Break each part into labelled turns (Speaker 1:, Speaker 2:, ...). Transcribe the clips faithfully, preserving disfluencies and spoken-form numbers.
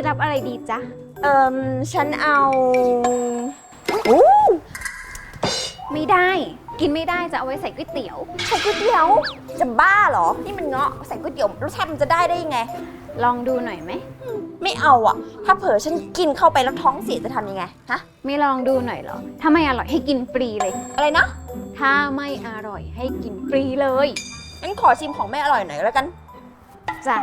Speaker 1: รับอะไรดีจ๊ะ
Speaker 2: เอิมฉันเอาโอ้
Speaker 1: ไม่ได้กินไม่ได้จะเอาไว้ใส่ก๋วยเตี๋ยว
Speaker 2: ใส่ก๋วยเตี๋ยวจะบ้าเหรอนี่มันเงาะใส่ก๋วยเตี๋ยวรสชาติมันจะได้ได้ยังไง
Speaker 1: ลองดูหน่อยไหม
Speaker 2: ไม่เอาอ่ะถ้าเผลอฉันกินเข้าไปแล้วท้องเสียจะทำยังไงฮะ
Speaker 1: ไม่ลองดูหน่อยเหรอถ้าไม่อร่อยให้กินฟรีเลย
Speaker 2: อะไรนะ
Speaker 1: ถ้าไม่อร่อยให้กินฟรีเลย
Speaker 2: งั้นขอชิมของไม่อร่อยหน่อยแล้วกัน
Speaker 1: จ้ะ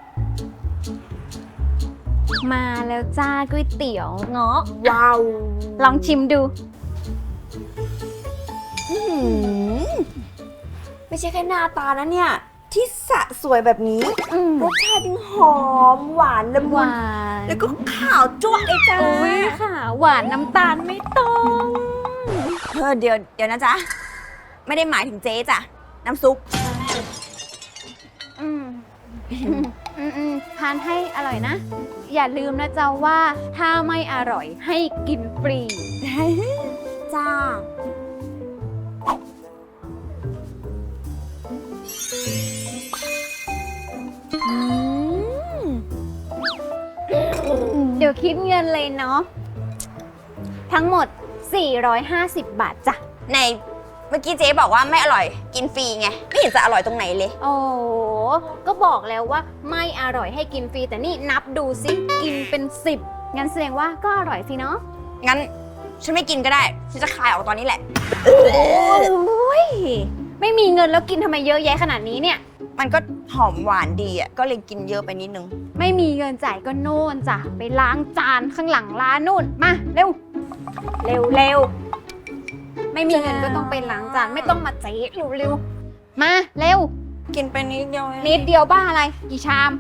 Speaker 1: มาแล้วจ้าก๋วยเตี๋ยวเงาะ
Speaker 2: ว้าว
Speaker 1: ลองชิมดู
Speaker 2: ไม่ใช่แค่หน้าตานะเนี่ยที่สะสวยแบบนี้รสชาติยังหอมหวานละมุนแล้วก็ขาวจ้วะเลยจ้า
Speaker 1: อุ้ยค่ะหวานน้ำตาลไม่ต้อง
Speaker 2: เออเดี๋ยวเดี๋ยวนะจ๊ะไม่ได้หมายถึงเจ๊จ้ะน้ำซุป
Speaker 1: อืมอืมอืมทานให้อร่อยนะอย่าลืมนะจ๊ะว่าถ้าไม่อร่อยให้กินฟรี
Speaker 2: จ้า
Speaker 1: เดี๋ยวคิดเงินเลยเนาะทั้งหมดสี่ร้อยห้าสิบบาทจ้ะ
Speaker 2: ในเมื่อกี้เจ๊บอกว่าไม่อร่อยกินฟรีไงไม่เห็นจะอร่อยตรงไหนเลย
Speaker 1: โอ้ก็บอกแล้วว่าไม่อร่อยให้กินฟรีแต่นี่นับดูสิกินเป็นสิบงั้นแสดงว่าก็อร่อยสิเนาะ
Speaker 2: งั้นฉันไม่กินก็ได้ฉันจะคายออกตอนนี้แหละ
Speaker 1: โอ้ยไม่มีเงินแล้วกินทำไมเยอะแยะขนาดนี้เนี่ย
Speaker 2: มันก็หอมหวานดีอ่ะก็เลยกินเยอะไปนิดนึง
Speaker 1: ไม่มีเงินจ่ายก็โน่นจ้ะไปล้างจานข้างหลังร้านนู่นมาเร็วเร็วเร็วไม่มีเงินก็ต้องไปล้างจานไม่ต้องมาเจ๊เร็วเร็วมาเร็ว
Speaker 2: กินไปนิดเดียว
Speaker 1: นิดเดียวบ้าอะไรกี่ชาม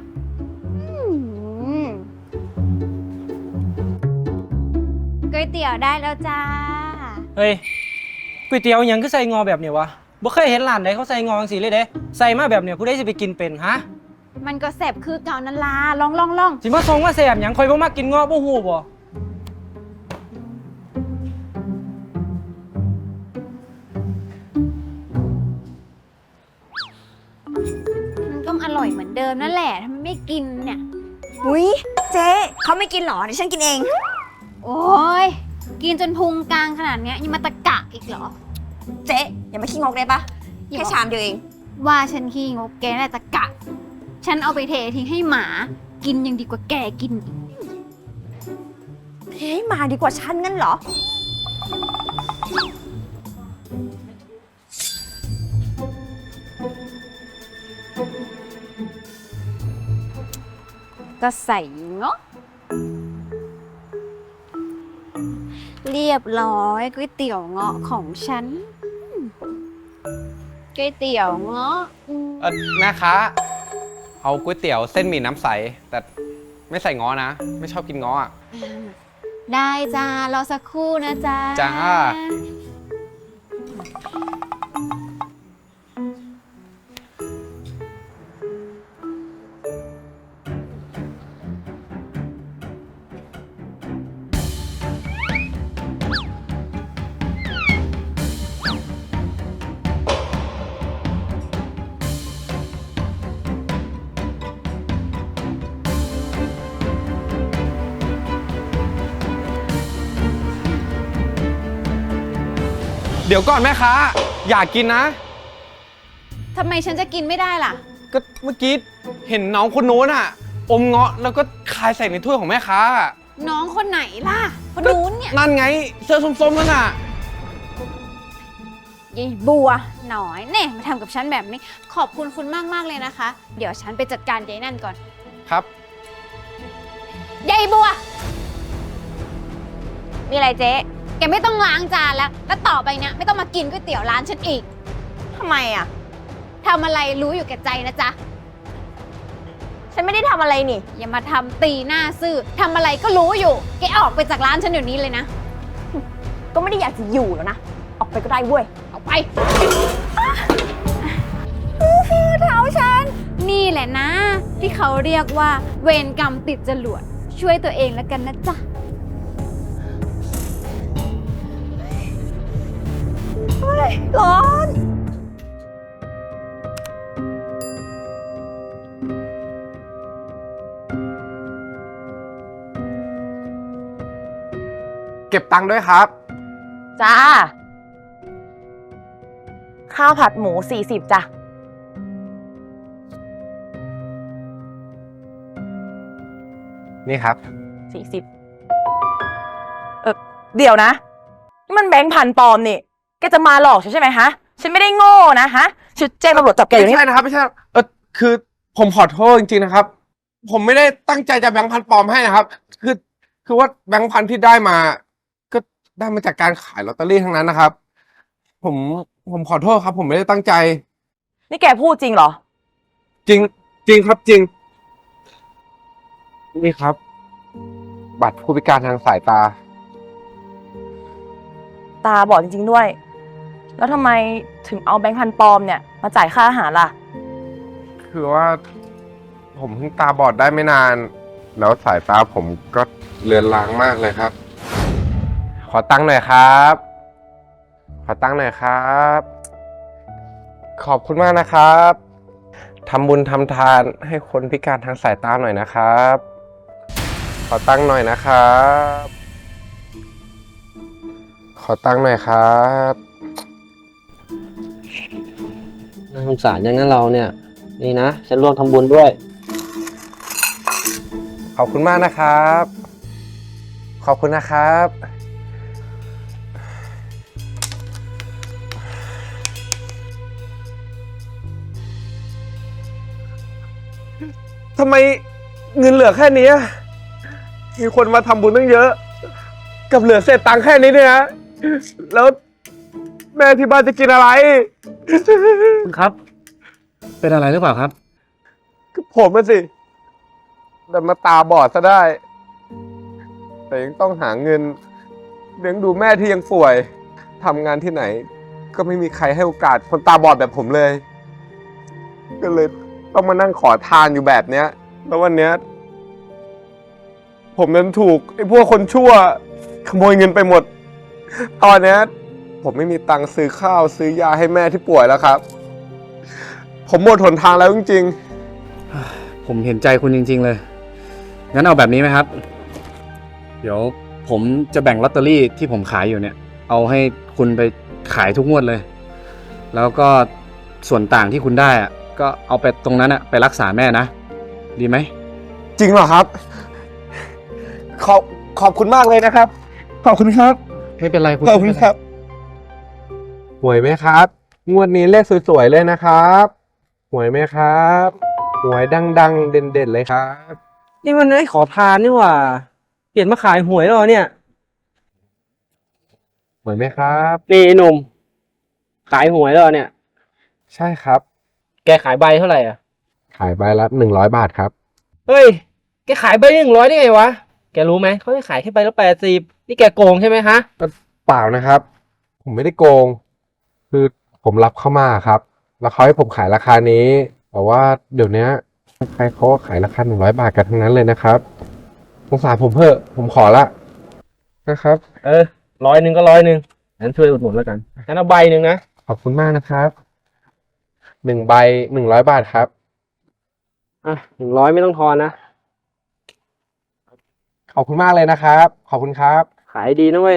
Speaker 1: ก๋วยเตี๋ยวได้แล้วจ้า
Speaker 3: เฮ้ยก๋วยเตี๋ยวยังก็ใส่งอแบบเนี้ยวะบ่เคยเห็นร้านใดเขาใส่งอจังซี่เลยเด้ใส่มาแบบเนี้ยผู้ใดสิไปกินเป็นฮะ
Speaker 1: มันก็แซ่บคือเก่านั่นล่ะลองลองลอง
Speaker 3: สิมาส่งมาแซ่บหยังข่อยบ่มักกินงอบ่ฮู้บ่
Speaker 1: มันก็อร่อยเหมือนเดิมนั่นแหละทำไมไม่กินเนี่ย
Speaker 2: อุ้ยเจ๊เขาไม่กินหรอเดี๋ยวฉันกินเอง
Speaker 1: โอ้ยกินจนพุงกลางขนาดนี้ยังมาตะกะอีกเหรอ
Speaker 2: เจ๊อย่ามาขี้งกได้ปะแค่ชามเดียวเอง
Speaker 1: ว่าฉันขี้งกแกน่าจะกะฉันเอาไปเททิ้งให้หมากินยังดีกว่าแกกิน
Speaker 2: เทให้หมาดีกว่าฉันงั้นเหรอ
Speaker 1: ก็ใส่เงาะเรียบร้อยก๋วยเตี๋ยวเงาะของฉันก๋วยเตี๋ยวเงาะ
Speaker 4: เออแม่ค้าเอาก๋วยเตี๋ยวเส้นหมี่น้ำใสแต่ไม่ใส่ง้อนะไม่ชอบกินง้ออ่ะ
Speaker 1: ได้จ้ารอสักครู่นะจ๊ะ
Speaker 4: จ้าเดี๋ยวก่อนแม่ค้าอยากกินนะ
Speaker 1: ทำไมฉันจะกินไม่ได้ล่ะ
Speaker 4: ก็เมื่อกี้เห็นน้องคนโน้นอ่ะอมเงาะแล้วก็คายใส่ในถ้วยของแม่ค้า
Speaker 1: น้องคนไหนล่ะคนนู้นเนี่ย
Speaker 4: นั่นไงเสื้อส้มๆนั่นน่ะ
Speaker 1: ยายบัวหน่อยเนี่ยมาทำกับฉันแบบนี้ขอบคุณคุณมากๆเลยนะคะเดี๋ยวฉันไปจัดการยายนั่นก่อน
Speaker 4: ครับ
Speaker 1: ยายบัว
Speaker 2: มีอะไรเจ๊
Speaker 1: แกไม่ต้องล้างจานแล้วแล้วต่อไปเนี่ยไม่ต้องมากินก๋วยเตี๋ยวร้านฉันอีก
Speaker 2: ทำไมอ่ะ
Speaker 1: ทำอะไรรู้อยู่แก่ใจนะจ๊ะ
Speaker 2: ฉันไม่ได้ทำอะไรนี่
Speaker 1: อย่ามาทำตีหน้าซื่อทำอะไรก็รู้อยู่แกออกไปจากร้านฉันเดี๋ยวนี้เลยนะ
Speaker 2: ก็ไม่ได้อยากจะอยู่แล้วนะออกไปก็ได้เว้ย
Speaker 1: ออกไปเท้าฉันนี่แหละนะที่เขาเรียกว่าเวรกรรมติดจรวดช่วยตัวเองแล้วกันนะจ๊ะ
Speaker 2: ร้อน
Speaker 5: เก็บตังค์ด้วยครับ
Speaker 2: จ้า ข้าวผัดหมูสี่สิบจ้ะ
Speaker 5: นี่ครับ
Speaker 2: สี่สิบเออเดี๋ยวนะ นี่มันแบงค์พันปลอมนี่ แกจะมาหลอกฉันใช่ไหมฮะ ฉันไม่ได้โง่นะฮะชุดแจ้งตำรวจจับแกอยู่
Speaker 5: ไม่
Speaker 2: นี่
Speaker 5: ใช่นะครับไม่ใช่เออคือผมขอโทษจริงๆนะครับ ผมไม่ได้ตั้งใจจะแบงค์พันปลอมให้นะครับ คือคือว่าแบงค์พันที่ได้มา ก็ได้มาจากการขายลอตเตอรี่ทั้งนั้นนะครับ ผมผมขอโทษครับ ผมไม่ได้ตั้งใจ
Speaker 2: นี่แกพูดจริงเหรอ
Speaker 5: จริงจริงครับจริง นี่ครับ บัตรผู้พิการทางสายตา
Speaker 2: ตาบอดจริงๆด้วย แล้วทำไมถึงเอาแบงค์พันปลอมเนี่ยมาจ่ายค่าอาหารล่ะ
Speaker 5: คือว่า ผมเพิ่งตาบอดได้ไม่นาน แล้วสายตาผมก็เลือนลางมากเลยครับ ขอตั้งค์หน่อยครับ ขอตั้งค์หน่อยครับ ขอบคุณมากนะครับทำบุญทำทานให้คนพิการทางสายตาหน่อยนะครับ ขอตั้งค์หน่อยนะครับ ขอตั้งค์หน่อยครับ
Speaker 3: น่าสงสารอย่างนั้นเราเนี่ย นี่นะ ฉันร่วมทำบุญด้วย
Speaker 5: ขอบคุณมากนะครับ ขอบคุณนะครับ ทำไมเงินเหลือแค่นี้ มีคนมาทำบุญตั้งเยอะ กับเหลือเศษตังค์แค่นี้เนี่ยนะ แล้วแม่ที่บ้านจะกินอะไร
Speaker 3: คุณครับ เป็นอะไรหรือเปล่าครับ
Speaker 5: ก็ผมน่ะสิแต่มาตาบอดซะได้ แต่ยังต้องหาเงินเลี้ยงดูแม่ที่ยังป่วยทำงานที่ไหน ก็ไม่มีใครให้โอกาสคนตาบอดแบบผมเลย ก็เลยต้องมานั่งขอทานอยู่แบบเนี้ย แล้ววันเนี้ยผมนั้นถูกไอ้พวกคนชั่ว ขโมยเงินไปหมด ตอนเนี้ยผมไม่มีตังค์ซื้อข้าวซื้อยาให้แม่ที่ป่วยแล้วครับ ผมหมดหนทางแล้วจริงๆ
Speaker 6: ผมเห็นใจคุณจริงๆเลย งั้นเอาแบบนี้ไหมครับ เดี๋ยวผมจะแบ่งลอตเตอรี่ที่ผมขายอยู่เนี่ย เอาให้คุณไปขายทุกงวดเลย แล้วก็ส่วนต่างที่คุณได้อะก็เอาไปตรงนั้นอะไปรักษาแม่นะ ดีไหม
Speaker 5: จริงเหรอครับ ขอบขอบคุณมากเลยนะครับ ขอบคุณครับ
Speaker 6: ไม่เป็นไรคุณ
Speaker 5: ขอบคุณครับหวยไหมครับ งวดนี้เลขสวยๆเลยนะครับหวยไหมครับหวยดังๆ เด่นๆเลยครับ
Speaker 3: นี่มันไอ้ขอทานนี่หว่า เปลี่ยนมาขายหวยแล้วเหรอเนี่ย
Speaker 5: หวยไหมครับ
Speaker 3: นี่ไอ้หนุ่ม ขายหวยแล้วเหรอเนี่ย
Speaker 5: ใช่ครับ
Speaker 3: แกขายใบเท่าไหร่อ่ะ
Speaker 5: ขายใบละหนึ่งร้อยบาทครับ
Speaker 3: เฮ้ย แกขายใบหนึ่งร้อยได้ไงวะ แกรู้ไหม เขาให้ขายแค่ใบละแปดสิบนี่แกโกงใช่ไหมฮะ
Speaker 5: เปล่านะครับ ผมไม่ได้โกง คือผมรับเข้ามาครับ แล้วเขาให้ผมขายราคานี้ แต่ว่าเดี๋ยวนี้ใครเขาก็ขายราคาหนึ่งร้อยบาทกันทั้งนั้นเลยนะครับสงสารผมเถอะผมขอละนะครับ
Speaker 3: เออร้อยหนึ่งก็ร้อยหนึ่งงั้นช่วยอุดหนุนแล้วกันงั้นเอาใบหนึ่งนะ
Speaker 5: ขอบคุณมากนะครับหนึ่งใบหนึ่งร้อยบาทครับ
Speaker 3: อ่ะหนึ่งร้อยไม่ต้องทอนนะ
Speaker 5: ขอบคุณมากเลยนะครับ ขอบคุณครับ
Speaker 3: ขายดีนะเว้ย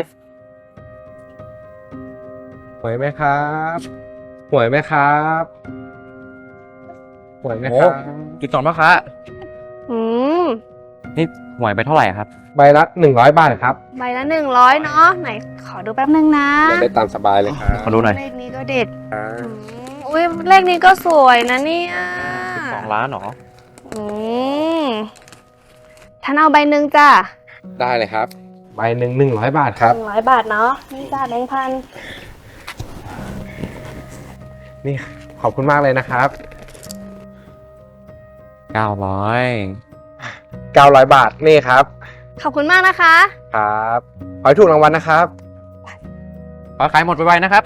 Speaker 5: หวยไหมครับหวยไหมครับหวยไหมครับ
Speaker 6: จุดสองพ่อค้า
Speaker 1: อืม
Speaker 6: นี่หวยไปเท่าไหร่ครับ
Speaker 5: ใบละหนึ่งร้อยบาทครับ
Speaker 1: ใบละหนึ่งร้อยเนาะไหนขอดูแป๊บนึงนะ
Speaker 5: ได้ตามสบายเลยครับ
Speaker 6: ขอดูหน่อย
Speaker 1: เลขนี้ก็เด็ด
Speaker 5: ครับ
Speaker 1: อืมอุ้ยเลขนี้ก็สวยนะเนี่ย
Speaker 6: สองล้านหรอ
Speaker 1: อืมท่านเอาใบหนึ่งจ้ะ
Speaker 5: ได้เลยครับ ใบหนึ่งหนึ่งร้อยบาทครับ
Speaker 1: หนึ่งร้อยบาทเนาะนี่จ้ะแบงค์พัน
Speaker 5: นี่ขอบคุณมากเลยนะครับ
Speaker 6: เก้าร้อย
Speaker 5: เก้าร้อยบาทนี่ครับ
Speaker 1: ขอบคุณมากนะคะ
Speaker 5: ครับขอให้ถูกรางวัลนะครับ
Speaker 6: ขอขายหมดไปๆนะครับ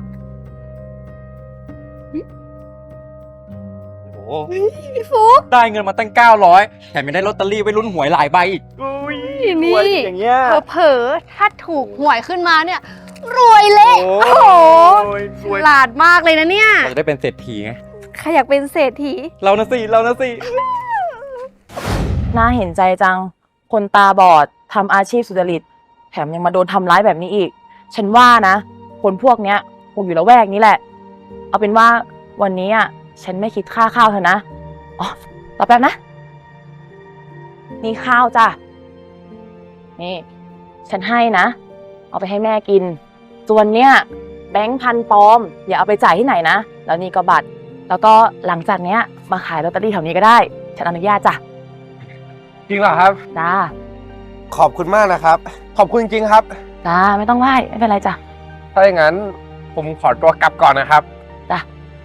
Speaker 6: โอ้โห
Speaker 1: พี่ฟุก
Speaker 6: ได้เงินมาตั้งเก้าร้อยแถมยังได้ลอตเตอรี่ไว้ลุ้นหวยหลายใบอีก
Speaker 1: นี่
Speaker 5: อย่างเงี้ย
Speaker 1: เผลอๆถ้าถูกหวยขึ้นมาเนี่ย รวยเละ
Speaker 5: โอ้
Speaker 1: โอ้โห
Speaker 5: ยร
Speaker 1: ฉ
Speaker 5: วย
Speaker 1: ลาดมากเลยนะเนี่ย
Speaker 6: เราจะได้เป็นเศรษฐีไง
Speaker 1: ใครอยากเป็นเศรษฐี
Speaker 6: เรานะสิ เรานะสิ
Speaker 2: น่าเห็นใจจัง คนตาบอดทำอาชีพสุจริต แแถมยังมาโดนทำร้ายแบบนี้อีก ฉันว่านะ คนพวกเนี้ยคงอยู่ละแวกนี้แหละ เอาเป็นว่าวันนี้อ่ะฉันไม่คิดค่าข้าวเธอนะอ๋อรอแป๊บนะนี่ข้าวจ้ะนี่ ฉันให้นะ เอาไปให้แม่กิน ส่วนเนี้ยแบงค์พันปลอม อย่าเอาไปจ่ายที่ไหนนะ แล้วนี่ก็บัตร แล้วก็หลังจากเนี้ยมาขายลอตเตอรี่แถวนี้ก็ได้ ฉันอนุญาตจ้ะ
Speaker 5: จริงเหรอครับ
Speaker 2: จ้า
Speaker 5: ขอบคุณมากนะครับ ขอบคุณจริงครับ
Speaker 2: จ้า ไม่ต้องไหว้ ไม่เป็นไรจ้ะ
Speaker 5: ถ้าอย่างนั้นผมขอตัวกลับก่อนนะครับ
Speaker 2: จ้ะ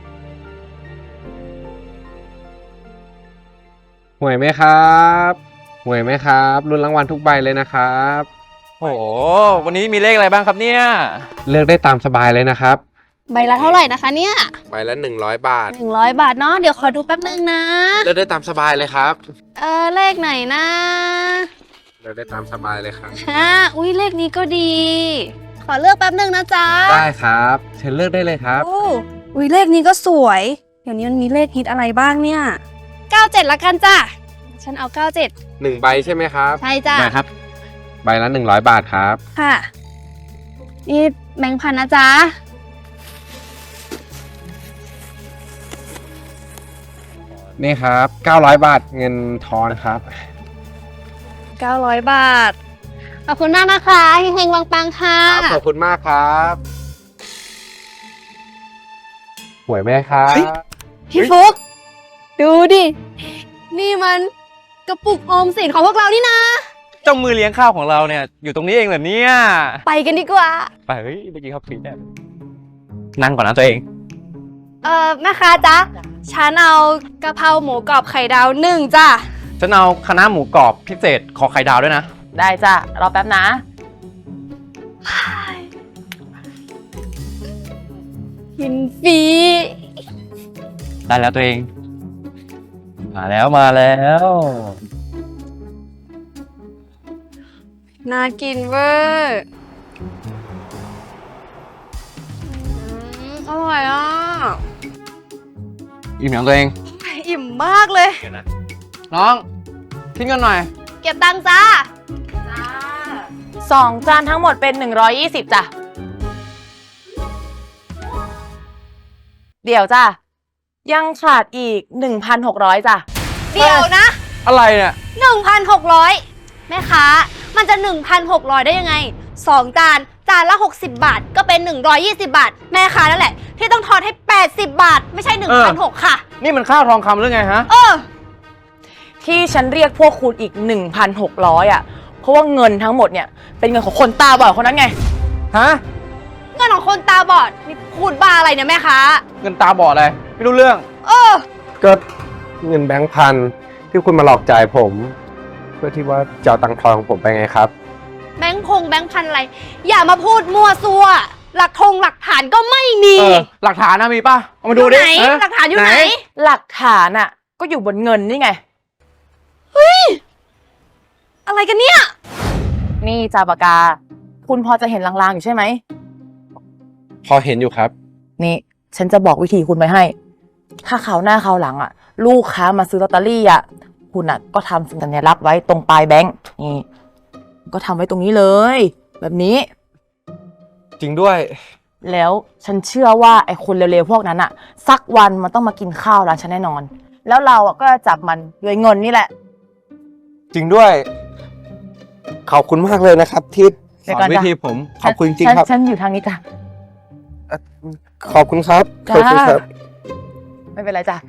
Speaker 4: หวยไหมครับหวยไหมครับลุ้นรางวัลทุกใบเลยนะครับ
Speaker 7: โอ้โห วันนี้มีเลขอะไรบ้างครับเนี่ย
Speaker 4: เลือกได้ตามสบายเลยนะครับ
Speaker 1: ใบละเท่าไหร่นะคะเนี่ย
Speaker 5: ใบละหนึ่งร้อยบาท
Speaker 1: หนึ่งร้อยบาทเนาะ เดี๋ยวขอดูแป๊บนึงนะ
Speaker 5: เลือกได้ตามสบายเลยครับ
Speaker 1: เออเลขไหนนะ
Speaker 5: เลือกได้ตามสบายเลยครับ
Speaker 1: ฮะอุ้ยเลขนี้ก็ดี ขอเลือกแป๊บนึงนะจ๊ะ
Speaker 4: ได้ครับเชิญเลือกได้เลยครับ
Speaker 8: โอ้อุ้ยเลขนี้ก็สวย เดี๋ยวนี้มันมีเลขฮิตอะไรบ้างเนี่ย
Speaker 1: เก้าเจ็ดละกันจ้ะ ฉันเอาเก้าเจ็ด
Speaker 5: หนึ่งใบใช่ไหมครับ
Speaker 1: ใช่จ้ะ
Speaker 7: ได้ครับ
Speaker 4: ใบละหนึ่งร้อยบาทครับ
Speaker 8: ค่ะ
Speaker 1: นี่แบงค์พันนะจ๊ะ
Speaker 4: นี่ครับเก้าร้อยบาทเงินทอนครับ
Speaker 1: เก้าร้อยบาท ขอบคุณมากนะคะเฮงๆปังๆค่ะ
Speaker 5: ขอบคุณมากครับหวยไหมครับ
Speaker 1: พี่ฟุก ดูดิ นี่มันกระปุกออมสินของพวกเรานี่นะ
Speaker 7: เจ้ามือเลี้ยงข้าวของเราเนี่ย อยู่ตรงนี้เองเหรอเนี่ย
Speaker 1: ไปกันดีกว่า
Speaker 7: ไปเฮ้ยเมื่อกี้เขาฟรีแน่นั่งก่อนนะตัวเอง
Speaker 1: เอ่อแม่ค้าจ๊ะ ฉันเอากะเพราหมูกรอบไข่ดาวหนึ่งจ้ะ
Speaker 7: ฉันเอาคณะน้าหมูกรอบพิเศษขอไข่ดาวด้วยนะ
Speaker 2: ได้จ้ะ รอแป๊บนะ
Speaker 1: กินฟรี
Speaker 7: ได้แล้วตัวเอง มาแล้วมาแล้ว
Speaker 8: น่ากินเวอร์
Speaker 1: อืมอร่อยอ่ะ
Speaker 7: อิ่มอย่างตัวเอง
Speaker 8: อิ่มมากเลย
Speaker 7: น้องคิดเงินหน่อย
Speaker 1: เก็บตังค์จ้า
Speaker 2: สองจานทั้งหมดเป็นหนึ่งร้อยยี่สิบจ้ะ เดี๋ยวจ้ะ ยังขาดอีกหนึ่งพันหกร้อยจ้ะ
Speaker 1: เดี๋ยวนะ
Speaker 7: อะไรเนี่ย
Speaker 1: หนึ่งพันหกร้อยแม่ค้า มันจะ หนึ่งพันหกร้อย ได้ยังไง สองจาน จานละ หกสิบบาท ก็เป็น หนึ่งร้อยยี่สิบบาท แม่ค้านั่นแหละ ที่ต้องทอนให้ แปดสิบบาท ไม่ใช่ หนึ่งพันหกร้อย ค่ะ
Speaker 7: นี่มันข้าวทองคำหรือไงฮะ
Speaker 1: เออ
Speaker 2: ที่ฉันเรียกพวกคุณอีก หนึ่งพันหกร้อย อ่ะ เพราะว่าเงินทั้งหมดเนี่ย เป็นเงินของคนตาบอดคนนั้นไง
Speaker 7: ฮะ
Speaker 1: เงินของคนตาบอด นี่พูดบ้าอะไรเนี่ยแม่ค้า
Speaker 7: เงินตาบอดอะไร ไม่รู้เรื่อง
Speaker 1: เออ
Speaker 5: ก็เงินแบงค์พันที่คุณมาหลอกจ่ายผม เพื่อที่ว่าจะเอาตังค์ทอนของผมไปไงครับ
Speaker 1: แบงค์พงแบงค์พันอะไร อย่ามาพูดมั่วซัว หลักทงหลักฐานก็ไม่มี
Speaker 7: เออ หลักฐานนะมีป่ะ เอามาดู
Speaker 1: อยู่
Speaker 7: ดิ
Speaker 1: ไหน
Speaker 7: เออ
Speaker 1: หลักฐานอยู่ไหน
Speaker 2: หลักฐานอ่ะ ก็อยู่บนเงินนี่ไง
Speaker 1: อะไรกันเนี่ย
Speaker 2: นี่จาปากกา คุณพอจะเห็นลางๆอยู่ใช่ไหม
Speaker 5: พอเห็นอยู่ครับ
Speaker 2: นี่ ฉันจะบอกวิธีคุณไว้ให้ ถ้าคราวหน้าคราวหลังอ่ะ ลูกค้ามาซื้อลอตเตอรี่อ่ะ คุณอ่ะก็ทำสัญลักษณ์ไว้ตรงปลายแบงค์นี่ ก็ทำไว้ตรงนี้เลย แบบนี้
Speaker 5: จริงด้วย
Speaker 2: แล้วฉันเชื่อว่าไอ้คนเร็วๆพวกนั้นอ่ะ สักวันมันต้องมากินข้าวร้านฉันแน่นอน แล้วเราอ่ะก็จะจับมันด้วยเงินนี่แหละ
Speaker 5: จริงด้วย ขอบคุณมากเลยนะครับ ที่
Speaker 2: เดี๋
Speaker 5: ส
Speaker 2: ยว
Speaker 5: อ
Speaker 2: ก่อน
Speaker 5: นวิ
Speaker 2: จ้ะ
Speaker 5: ธีผม ขอบคุณจริง
Speaker 2: ฉัน
Speaker 5: ครับ
Speaker 2: ฉันอยู่ทางนี้จ้ะ
Speaker 5: ขอบคุณครับ
Speaker 2: จ้า
Speaker 5: ขอบคุณครับ
Speaker 2: ไม่เป็นไรจ้ะ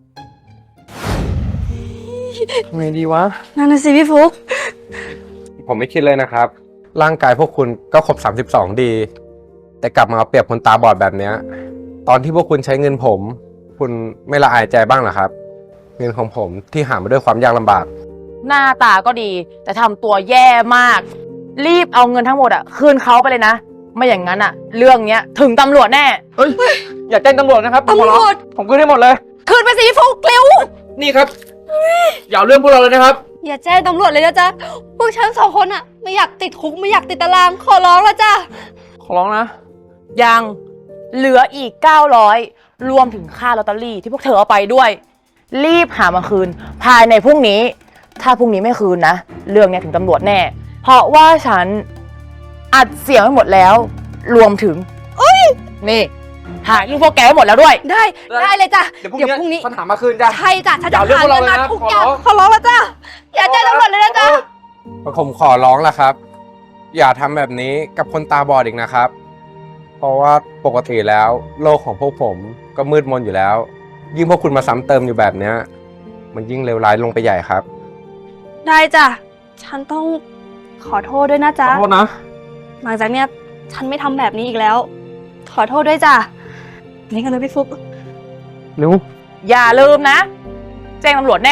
Speaker 5: ทำไงดีวะ
Speaker 8: นั่นน่ะสิพี่ฟุก
Speaker 5: ผมไม่คิดเลยนะครับ ร่างกายพวกคุณก็ครบสามสิบสองดี แต่กลับมาเอาเปรียบคนตาบอดแบบเนี้ย ตอนที่พวกคุณใช้เงินผม คุณไม่ละอายใจบ้างเหรอครับ เงินของผมที่หามาด้วยความยากลำบาก
Speaker 2: หน้าตาก็ดี แต่ทำตัวแย่มาก รีบเอาเงินทั้งหมดอ่ะคืนเขาไปเลยนะ ไม่อย่างนั้นอ่ะ เรื่องเนี้ยถึงตำรวจแน่
Speaker 7: เฮ้ย อย่าแจ้งตำรวจนะครับผมขอร้อง
Speaker 8: ตำรวจ
Speaker 7: ผมคืนให้หมดเลย
Speaker 1: คืนไปสิพี่ฟุกเร็ว
Speaker 7: นี่ครับ อย่าเอาเรื่องพวกเราเลยนะครับ
Speaker 1: อย่าแจ้งตำรวจเลยนะจ๊ะ พวกฉันสองคนอะไม่อยากติดคุกไม่อยากติดตาราง ขอร้องแล้วจ้ะ
Speaker 7: ขอร้องนะ
Speaker 2: ยังเหลืออีกเก้าร้อยรวมถึงค่าลอตเตอรี่ที่พวกเธอเอาไปด้วย รีบหามาคืน ภายในพรุ่งนี้ ถ้าพรุ่งนี้ไม่คืนนะ เรื่องเนี้ยถึงตำรวจแน่ เพราะว่าฉันอัดเสียงไว้หมดแล้ว รวมถึงนี่ถ่ายรูปพวกแกไว้หมดแล้วด้วย
Speaker 8: ได้ ได้เลยจ้ะ
Speaker 5: เดี๋ยวพรุ่งนี้ปัญหามาคืนจ้ะ
Speaker 8: ใช่จ้ะฉันจะ
Speaker 5: อย่าเอาเรื่อง
Speaker 8: หา
Speaker 5: พวกเรา
Speaker 8: เงิน
Speaker 5: เลย
Speaker 8: มา
Speaker 5: นะ
Speaker 8: ทุก
Speaker 5: ขอ
Speaker 8: อย่าง
Speaker 5: ร้อง
Speaker 8: ขอร้องแล้วจ้ะอย่าแจ้งตำรวจเลยนะจ๊ะ
Speaker 5: ผมขอร้องละครับ อย่าทำแบบนี้กับคนตาบอดอีกนะครับ เพราะว่าปกติแล้วโลกของพวกผมก็มืดมนอยู่แล้ว ยิ่งพวกคุณมาซ้ำเติมอยู่แบบเนี้ยมันยิ่งเลวร้ายลงไปใหญ่ครับ
Speaker 8: ได้จ้ะ ฉันต้องขอโทษด้วยนะจ๊ะ
Speaker 5: ขอโทษนะ
Speaker 8: หลังจากเนี้ยฉันไม่ทำแบบนี้อีกแล้ว ขอโทษด้วยจ้ะนี่กันเลยพี่ฟุก
Speaker 5: เร็ว
Speaker 2: อย่าลืมนะ แจ้งตำรวจแน่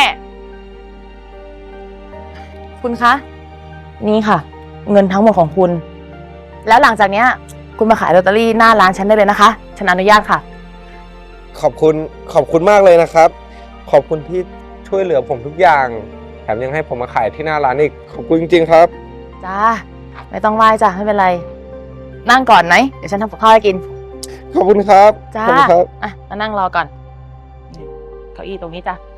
Speaker 2: คุณคะ นี่ค่ะ เงินทั้งหมดของคุณ แล้วหลังจากเนี้ย คุณมาขายลอตเตอรี่หน้าร้านฉันได้เลยนะคะ ฉันอนุญาตค่ะ
Speaker 5: ขอบคุณขอบคุณมากเลยนะครับ ขอบคุณที่ช่วยเหลือผมทุกอย่าง แถมยังให้ผมมาขายที่หน้าร้านอีก ขอบคุณจริงๆครับ
Speaker 2: จ้า ไม่ต้องไหว้จ้ะ ไม่เป็นไร นั่งก่อนไหม เดี๋ยวฉันทำกับข้าวให้กิน
Speaker 5: ขอบคุณครับ
Speaker 2: จ้า
Speaker 5: ขอบคุณครับ
Speaker 2: อ่ะ มานั่งรอก่อนนี่เก้าอี้ตรงนี้จ้ะ